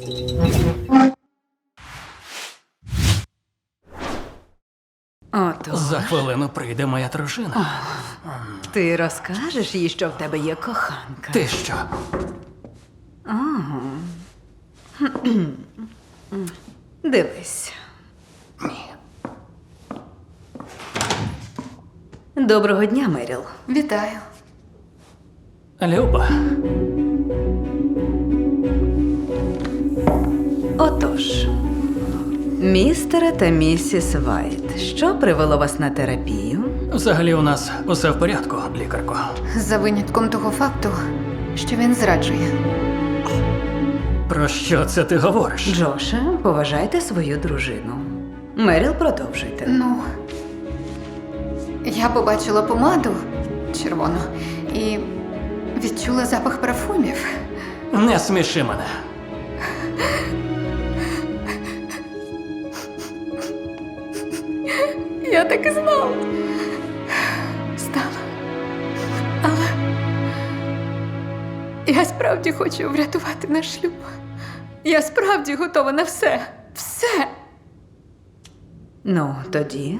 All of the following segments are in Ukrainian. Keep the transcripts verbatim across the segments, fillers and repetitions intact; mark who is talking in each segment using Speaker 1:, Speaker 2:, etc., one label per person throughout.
Speaker 1: Ото.
Speaker 2: За хвилину прийде моя дружина.
Speaker 1: Ти розкажеш їй, що в тебе є коханка.
Speaker 2: Ти що?
Speaker 1: Дивись.
Speaker 2: Ні.
Speaker 1: Доброго дня, Меріл.
Speaker 3: Вітаю.
Speaker 2: Люба,
Speaker 1: Отож, містере та місіс Вайт, що привело вас на терапію?
Speaker 2: взагалі у нас усе в порядку, лікарко.
Speaker 3: За винятком того факту, що він зраджує.
Speaker 2: Про що це ти говориш?
Speaker 1: Джоше, поважайте свою дружину. Меріл, продовжуйте.
Speaker 3: Ну, я побачила помаду червону і відчула запах парфумів.
Speaker 2: Не сміши мене.
Speaker 3: Я так і знала. Стала. Але я справді хочу врятувати наш шлюб. Я справді готова на все. Все.
Speaker 1: Ну, тоді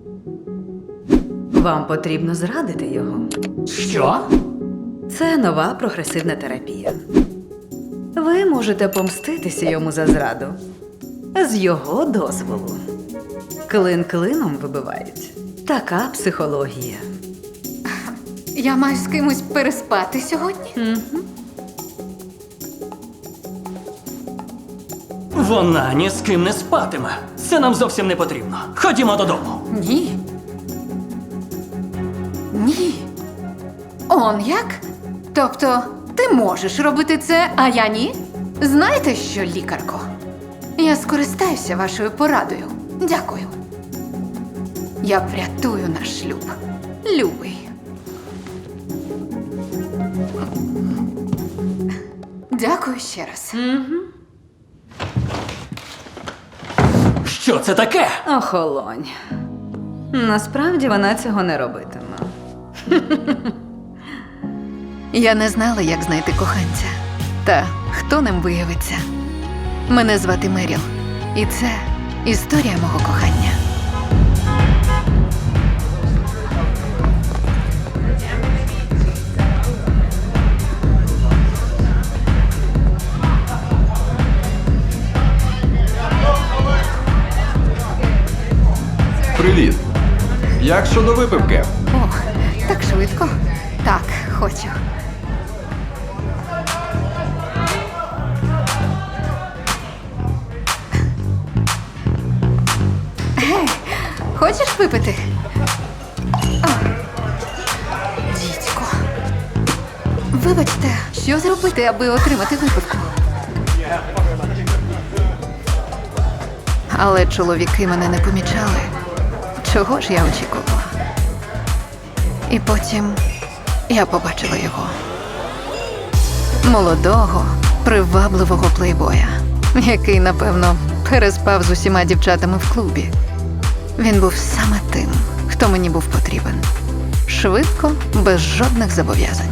Speaker 1: вам потрібно зрадити його.
Speaker 2: Що?
Speaker 1: Це нова прогресивна терапія. Ви можете помститися йому за зраду з його дозволу. Клин клином вибивають. Така психологія.
Speaker 3: Я маю з кимось переспати сьогодні?
Speaker 2: Вона ні з ким не спатиме. Це нам зовсім не потрібно. Ходімо додому.
Speaker 3: Ні. Ні. Он як? Тобто, ти можеш робити це, а я ні? Знаєте що, лікарко? Я скористаюся вашою порадою. Дякую. Я врятую наш шлюб. Любий. Дякую ще раз.
Speaker 2: Що це таке?
Speaker 1: Охолонь. Насправді вона цього не робитиме.
Speaker 3: Я не знала, як знайти коханця. Та хто ним виявиться. Мене звати Меріл. І це історія мого кохання.
Speaker 4: Привіт. Як щодо випивки?
Speaker 3: О, так швидко. Так, хочу. Гей, хочеш випити? О, дідько. Вибачте, що зробити, аби отримати випивку? Але чоловіки мене не помічали. Чого ж я очікувала? І потім я побачила його. Молодого, привабливого плейбоя, який, напевно, переспав з усіма дівчатами в клубі. Він був саме тим, хто мені був потрібен. Швидко, без жодних зобов'язань.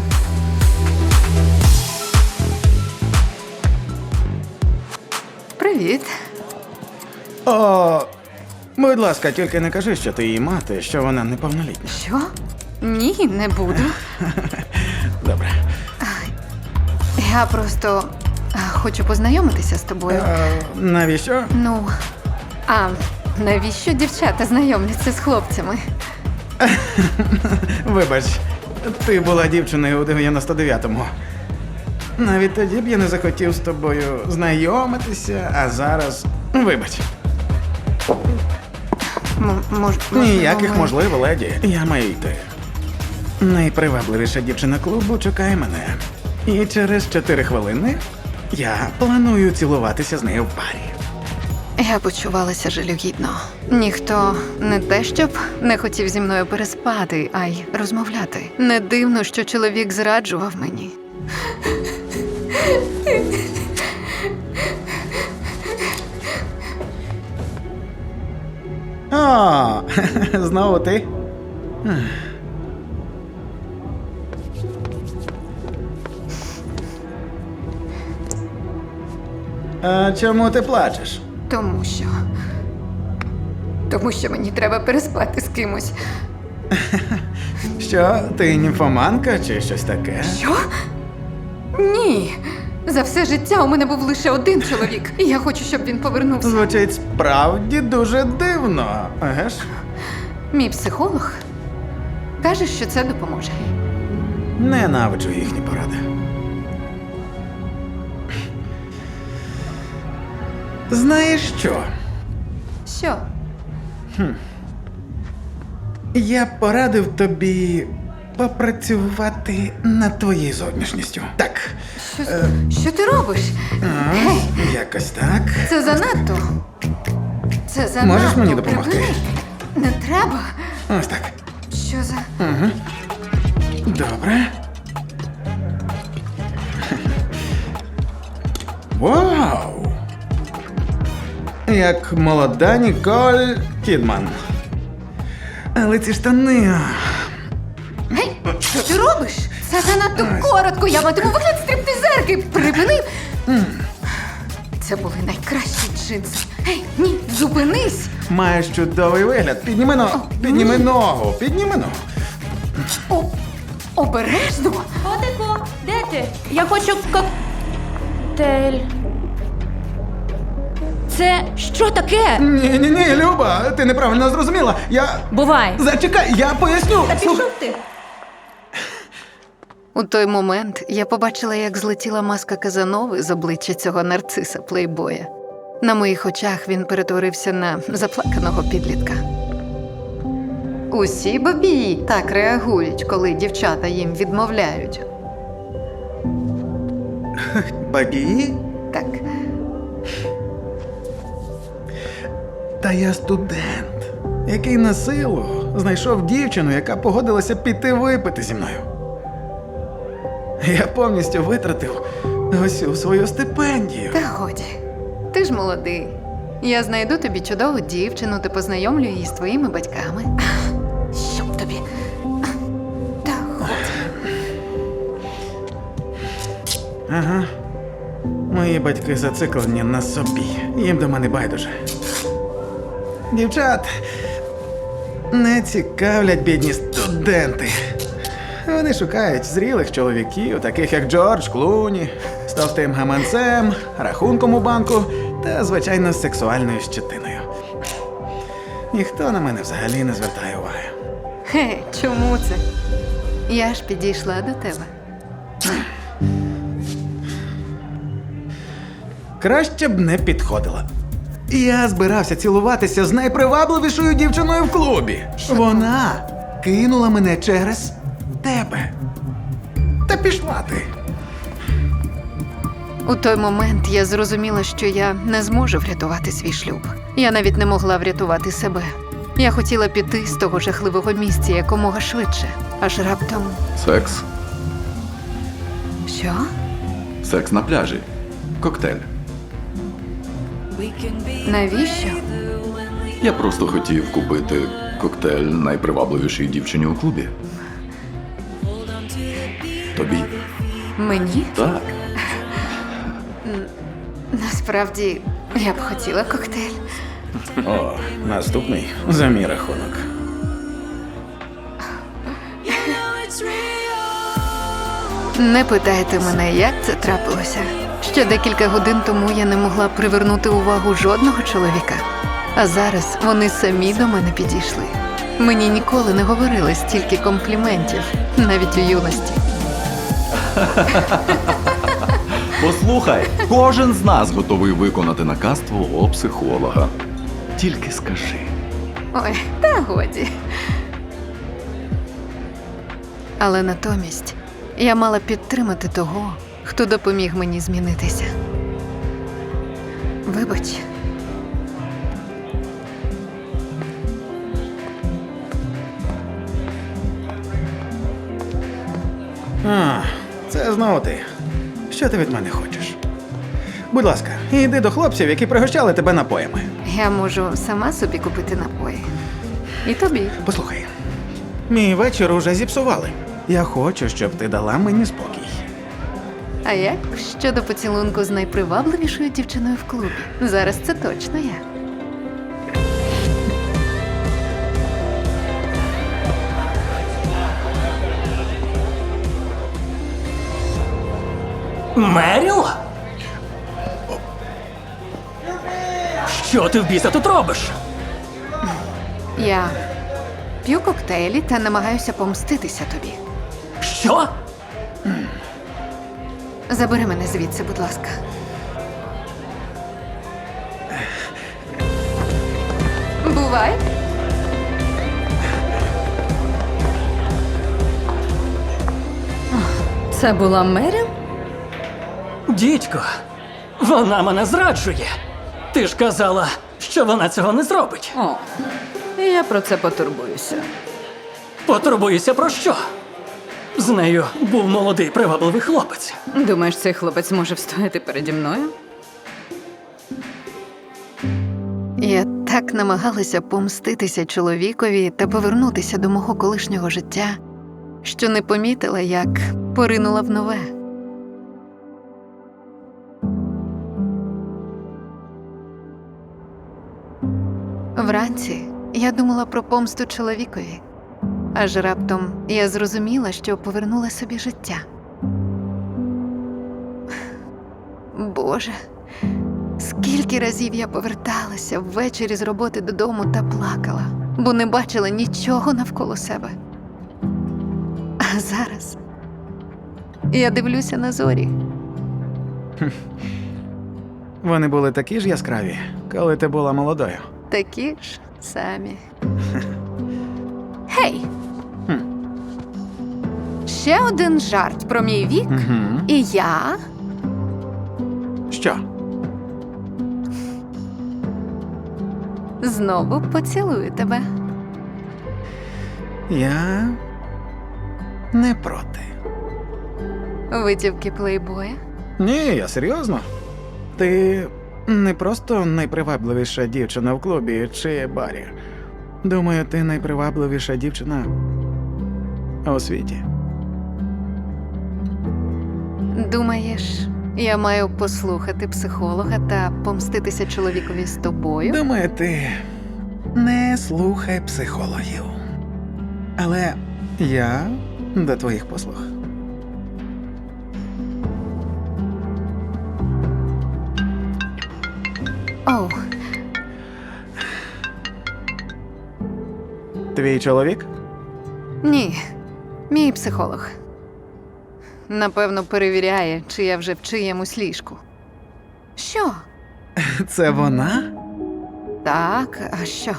Speaker 3: Привіт.
Speaker 5: О, будь ласка, тільки не кажи, що ти її мати, що вона неповнолітня.
Speaker 3: Що? Ні, не буду.
Speaker 5: Добре.
Speaker 3: Я просто а, хочу познайомитися з тобою.
Speaker 5: А, навіщо?
Speaker 3: Ну, а навіщо дівчата знайомляться з хлопцями?
Speaker 5: Вибач, ти була дівчиною у дев'яносто дев'ятому. Навіть тоді б я не захотів з тобою знайомитися, а зараз. Вибач.
Speaker 3: М- мож,
Speaker 5: Ніяких
Speaker 3: ми-
Speaker 5: можливо, леді. Я маю йти. Найпривабливіша дівчина клубу чекає мене. І через чотири хвилини я планую цілуватися з нею в парі.
Speaker 3: Я почувалася жалюгідно. Ніхто не те, щоб не хотів зі мною переспати, а й розмовляти. Не дивно, що чоловік зраджував мені.
Speaker 5: О, знову ти? А чому ти плачеш?
Speaker 3: Тому що. Тому що мені треба переспати з кимось.
Speaker 5: Що, ти німфоманка чи щось таке?
Speaker 3: Що? Ні. За все життя у мене був лише один чоловік, і я хочу, щоб він повернувся.
Speaker 5: Звучить справді дуже дивно, еге ж?
Speaker 3: Мій психолог каже, що це допоможе.
Speaker 5: Ненавиджу їхні поради. Знаєш що?
Speaker 3: Що?
Speaker 5: Я порадив тобі попрацювати над твоєю зовнішністю. Так,
Speaker 3: Що, що ти робиш? Гей,
Speaker 5: якось так.
Speaker 3: це занадто. Це занадто.
Speaker 5: Можеш мені допомогти?
Speaker 3: Припини. Не треба.
Speaker 5: Ось так.
Speaker 3: Що за.
Speaker 5: Добре. Вау! Як молода Ніколь Кідман. Але ці штани.
Speaker 3: Гей, що ти робиш? Це занадто коротко. Я матиму вигляд стриптизерки. Припини. Це були найкращі джинси. Гей, ні, зупинись.
Speaker 5: Маєш чудовий вигляд. Підніми ногу. Підніми ногу. Підніми ногу.
Speaker 3: О, обережно.
Speaker 6: Котику, де ти? Я хочу коктейль. Це що таке?
Speaker 5: Ні, ні, ні, Люба, ти неправильно зрозуміла. Я.
Speaker 6: Бувай.
Speaker 5: Зачекай, я поясню.
Speaker 6: Та
Speaker 5: Слухай.
Speaker 6: пішов ти.
Speaker 3: У той момент я побачила, як злетіла маска Казанови з обличчя цього нарциса плейбоя. На моїх очах він перетворився на заплаканого підлітка. Усі бабії так реагують, коли дівчата їм відмовляють.
Speaker 5: Бабі?
Speaker 3: Так,
Speaker 5: Та я студент, який на силу знайшов дівчину, яка погодилася піти випити зі мною. Я повністю витратив усю свою стипендію.
Speaker 3: та годі. Ти ж молодий. Я знайду тобі чудову дівчину та познайомлю її з твоїми батьками. Щоб тобі. Та годі.
Speaker 5: Ага. Мої батьки зациклені на собі. Їм до мене байдуже. Дівчат не цікавлять бідні студенти. Вони шукають зрілих чоловіків, таких як Джордж Клуні, з товстим гаманцем, рахунком у банку та, звичайно, з сексуальною щетиною. Ніхто на мене взагалі не звертає уваги.
Speaker 3: Хе, чому це? Я ж підійшла до тебе.
Speaker 5: Краще б не підходила. Я збирався цілуватися з найпривабливішою дівчиною в клубі. Вона кинула мене через тебе. Та пішла ти.
Speaker 3: У той момент я зрозуміла, що я не зможу врятувати свій шлюб. Я навіть не могла врятувати себе. Я хотіла піти з того жахливого місця якомога швидше. Аж раптом.
Speaker 4: Секс.
Speaker 3: Що?
Speaker 4: Секс на пляжі. Коктейль.
Speaker 3: Навіщо?
Speaker 4: Я просто хотів купити коктейль найпривабливішій дівчині у клубі. Тобі.
Speaker 3: Мені?
Speaker 4: Так.
Speaker 3: Насправді, я б хотіла коктейль.
Speaker 5: О, наступний за мій рахунок.
Speaker 3: Не питайте мене, як це трапилося. Ще декілька годин тому я не могла привернути увагу жодного чоловіка. А зараз вони самі до мене підійшли. Мені ніколи не говорили стільки компліментів, навіть у юності.
Speaker 4: Послухай, кожен з нас готовий виконати наказ твого психолога. Тільки скажи.
Speaker 3: Ой, та годі. Але натомість я мала підтримати того, хто допоміг мені змінитися. Вибач.
Speaker 5: А, це знову ти. Що ти від мене хочеш? Будь ласка, йди до хлопців, які пригощали тебе напоями.
Speaker 3: Я можу сама собі купити напої. І тобі.
Speaker 5: Послухай, мій вечір уже зіпсували. Я хочу, щоб ти дала мені спокій.
Speaker 3: А як щодо поцілунку з найпривабливішою дівчиною в клубі? Зараз це точно я.
Speaker 2: Меріл? Що ти в біса тут робиш?
Speaker 3: Я п'ю коктейлі та намагаюся помститися тобі.
Speaker 2: Що?
Speaker 3: Забери мене звідси, будь ласка. Бувай.
Speaker 1: Це була Меріл?
Speaker 2: Дідько, вона мене зраджує. Ти ж казала, що вона цього не зробить.
Speaker 1: О, я про це потурбуюся.
Speaker 2: Потурбуюся про що? З нею був молодий привабливий хлопець.
Speaker 1: Думаєш, цей хлопець може встояти переді мною?
Speaker 3: Я так намагалася помститися чоловікові та повернутися до мого колишнього життя, що не помітила, як поринула в нове. Вранці я думала про помсту чоловікові, аж раптом я зрозуміла, що повернула собі життя. Боже, скільки разів я поверталася ввечері з роботи додому та плакала, бо не бачила нічого навколо себе. А зараз я дивлюся на зорі.
Speaker 5: Вони були такі ж яскраві, коли ти була молодою.
Speaker 3: Такі ж самі. Гей!
Speaker 5: Хм.
Speaker 3: Ще один жарт про мій вік,
Speaker 5: Угу.
Speaker 3: і я
Speaker 5: Що?
Speaker 3: знову поцілую тебе.
Speaker 5: Я не проти.
Speaker 3: Витівки плейбоя.
Speaker 5: Ні, я серйозно. Ти не просто найпривабливіша дівчина в клубі чи барі. Думаю, ти найпривабливіша дівчина у світі.
Speaker 3: Думаєш, я маю послухати психолога та помститися чоловікові з тобою?
Speaker 5: Думаю, ти не слухай психологів. Але я до твоїх послуг.
Speaker 3: Оу,
Speaker 5: Твій чоловік?
Speaker 3: ні, мій психолог. Напевно, перевіряє, чи я вже в чиємусь ліжку. Що?
Speaker 5: Це вона?
Speaker 3: Так, а що?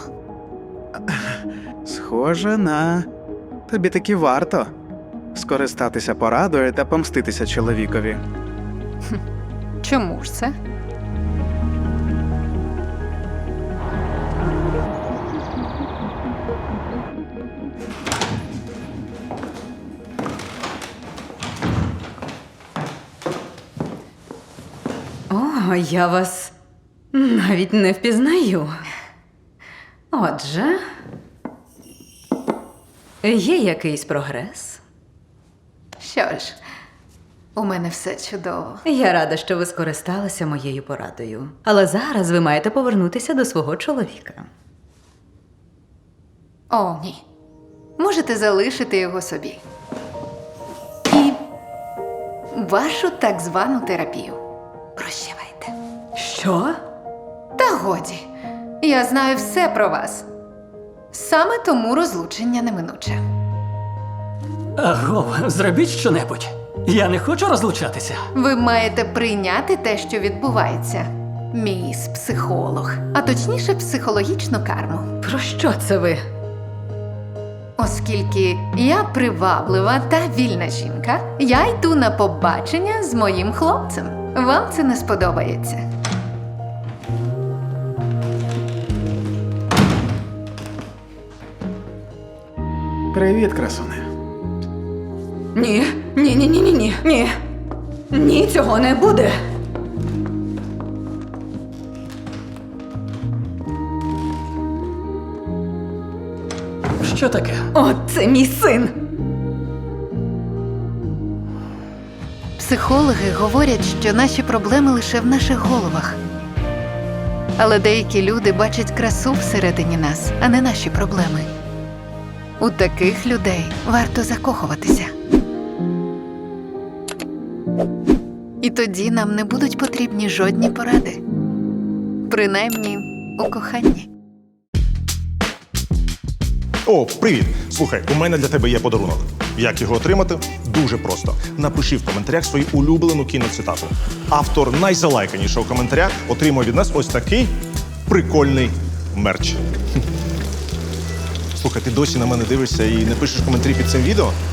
Speaker 7: Схоже на тобі таки варто скористатися порадою та помститися чоловікові.
Speaker 3: Чому ж це?
Speaker 1: О, я вас навіть не впізнаю. Отже, є якийсь прогрес?
Speaker 3: Що ж, у мене все чудово.
Speaker 1: Я рада, що ви скористалися моєю порадою. Але зараз ви маєте повернутися до свого чоловіка.
Speaker 3: О, ні. Можете залишити його собі. І вашу так звану терапію. Прощавайте.
Speaker 1: Що?
Speaker 3: Та годі. Я знаю все про вас. Саме тому розлучення неминуче.
Speaker 2: Аго, зробіть щонебудь. Я не хочу розлучатися.
Speaker 3: Ви маєте прийняти те, що відбувається. Мій психолог, а точніше психологічну карму.
Speaker 1: Про що це ви?
Speaker 3: Оскільки я приваблива та вільна жінка, я йду на побачення з моїм хлопцем. Вам це не сподобається.
Speaker 5: Привіт, красуне.
Speaker 1: Ні, ні, ні, ні, ні, ні, ні. Ні, цього не буде.
Speaker 2: Що таке?
Speaker 1: О, це мій син.
Speaker 3: Психологи говорять, що наші проблеми лише в наших головах. Але деякі люди бачать красу всередині нас, а не наші проблеми. У таких людей варто закохуватися. І тоді нам не будуть потрібні жодні поради. Принаймні, у коханні.
Speaker 8: О, привіт! Слухай, у мене для тебе є подарунок. Як його отримати? Дуже просто. Напиши в коментарях свою улюблену кіноцитату. Автор найзалайканішого коментаря отримує від нас ось такий прикольний мерч. Слухай, ти досі на мене дивишся і не пишеш коментарі під цим відео?